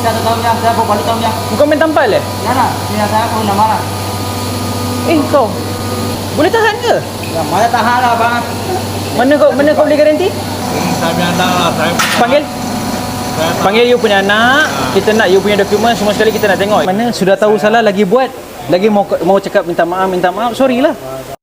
1 tahun yang saya bawa balik tahun yang. Bukan main tampal eh? Ya nak, sini saya pun nak marah. Kau boleh tahan ke? Ya, mana tahan lah bang. Mana kau boleh garanti? Saya punya anak lah. Panggil you punya anak. Kita nak you punya dokumen semua sekali kita nak tengok. Mana sudah tahu salah lagi buat. Lagi mau cakap minta maaf. Sorry lah.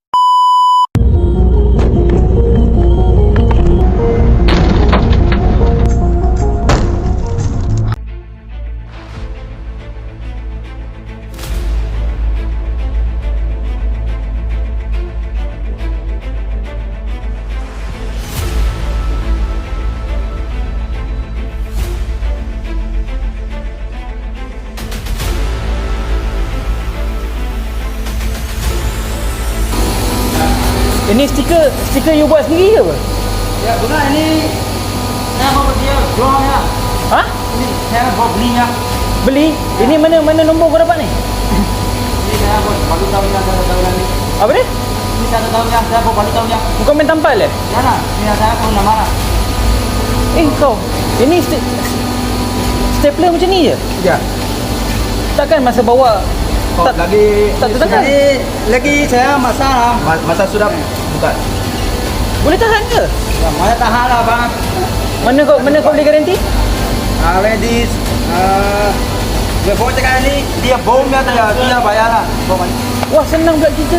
Ini stiker you buat sendiri ke apa? Ya bukan ini. Saya bawa dia jual ya. Ha? Ini saya bawa belinya. Beli? Ini mana nombor kau dapat ni? Ini saya bawa balik tahun yang 1 tahun yang ni. Apa dia? Ini 1 tahun yang saya bawa balik tahun yang. Bukan main tampal eh? Ya nak, sini saya pun nak marah. Kau ini stapler macam ni je? Ya. Takkan masa bawa tak tertekan? Lagi saya masalah. Masa sudah buka. Boleh tahan ke? Ya, mana tahan lah bang. Mana kau boleh garanti? Ladies, dia bawa cakap ni, dia bomnya dia bayar lah. Wah senang pula kita.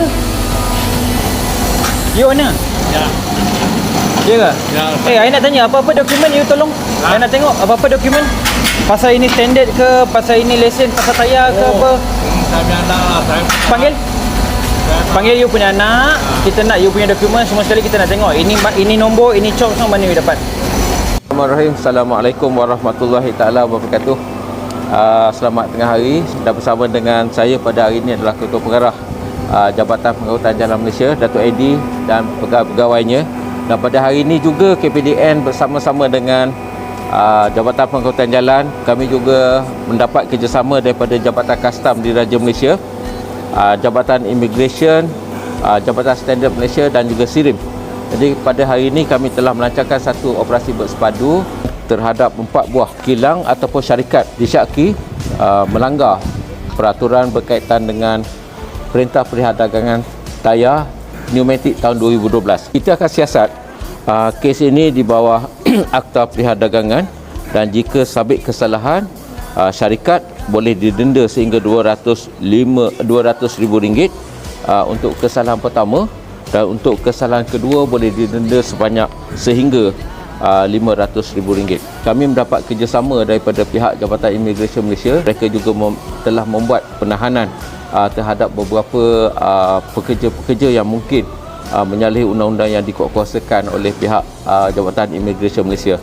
You mana? Ya. Ya ke? Ya. I nak tanya apa-apa dokumen you tolong. I nak tengok apa-apa dokumen. Pasal ini standard ke, pasal ini lesen, pasal tayar ke apa. Saya punya anak lah. Panggil you punya anak. Kita nak you punya dokumen semua sekali kita nak tengok. Ini nombor, ini cop semua mana you dapat. Bismillahirrahmanirrahim. Assalamualaikum warahmatullahi taala wabarakatuh. Selamat tengah hari. Dan bersama dengan saya pada hari ini adalah Ketua Pengarah Jabatan Pengangkutan Jalan Malaysia, Datuk Edi dan pegawai-pegawainya. Dan pada hari ini juga KPDN bersama-sama dengan Jabatan Pengangkutan Jalan, kami juga mendapat kerjasama daripada Jabatan Kastam Diraja Malaysia, Jabatan Immigration, Jabatan Standard Malaysia dan juga SIRIM. Jadi pada hari ini kami telah melancarkan satu operasi bersepadu terhadap 4 buah kilang ataupun syarikat disyaki melanggar peraturan berkaitan dengan Perintah Perdagangan Tayar Pneumatik tahun 2012. Kita akan siasat kes ini di bawah Akta Perdagangan, dan jika sabit kesalahan, syarikat boleh didenda sehingga RM200,000 untuk kesalahan pertama, dan untuk kesalahan kedua boleh didenda sebanyak sehingga RM500,000. Kami mendapat kerjasama daripada pihak Jabatan Immigration Malaysia. Mereka juga telah membuat penahanan terhadap beberapa pekerja-pekerja yang mungkin menyalahi undang-undang yang dikuatkuasakan oleh pihak Jabatan Immigration Malaysia.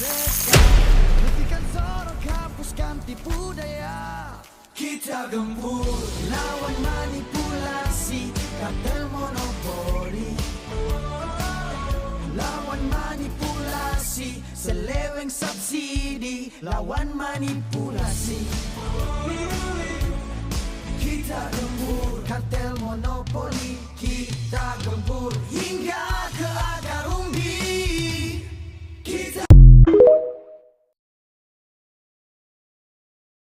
Kita gempur lawan manipulasi kartel monopoli, lawan manipulasi seleweng subsidi, lawan manipulasi.